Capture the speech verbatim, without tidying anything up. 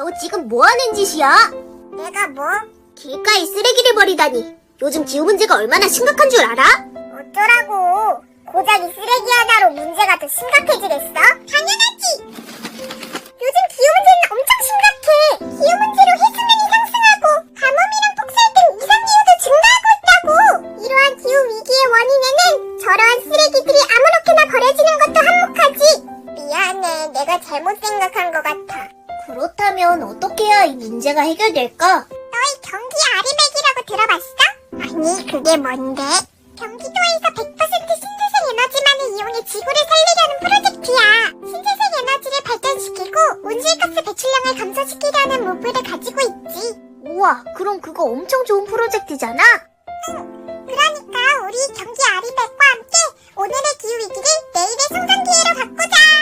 너 지금 뭐 하는 짓이야? 내가 뭐? 길가에 쓰레기를 버리다니. 요즘 기후 문제가 얼마나 심각한 줄 알아? 어쩌라고. 고작 이 쓰레기 하나로 문제가 더 심각해지겠어? 당연하지. 요즘 기후 문제는 엄청 심각해. 기후 문제로 해수면이 상승하고 가뭄이랑 폭설 등 이상기후도 증가하고 있다고. 이러한 기후 위기의 원인에는 저러한 쓰레기들이 아무렇게나 버려지는 것도 한몫하지. 미안해. 내가 잘못 생각한 것 같아. 그렇다면 어떻게 해야 이 문제가 해결될까? 너희 경기 아리백이라고 들어봤어? 아니, 그게 뭔데? 경기도에서 백 퍼센트 신재생 에너지만을 이용해 지구를 살리려는 프로젝트야. 신재생 에너지를 발전시키고 온실가스 배출량을 감소시키려는 목표를 가지고 있지. 우와, 그럼 그거 엄청 좋은 프로젝트잖아? 응. 그러니까 우리 경기 아리백과 함께 오늘의 기후위기를 내일의 성장 기회로 바꾸자.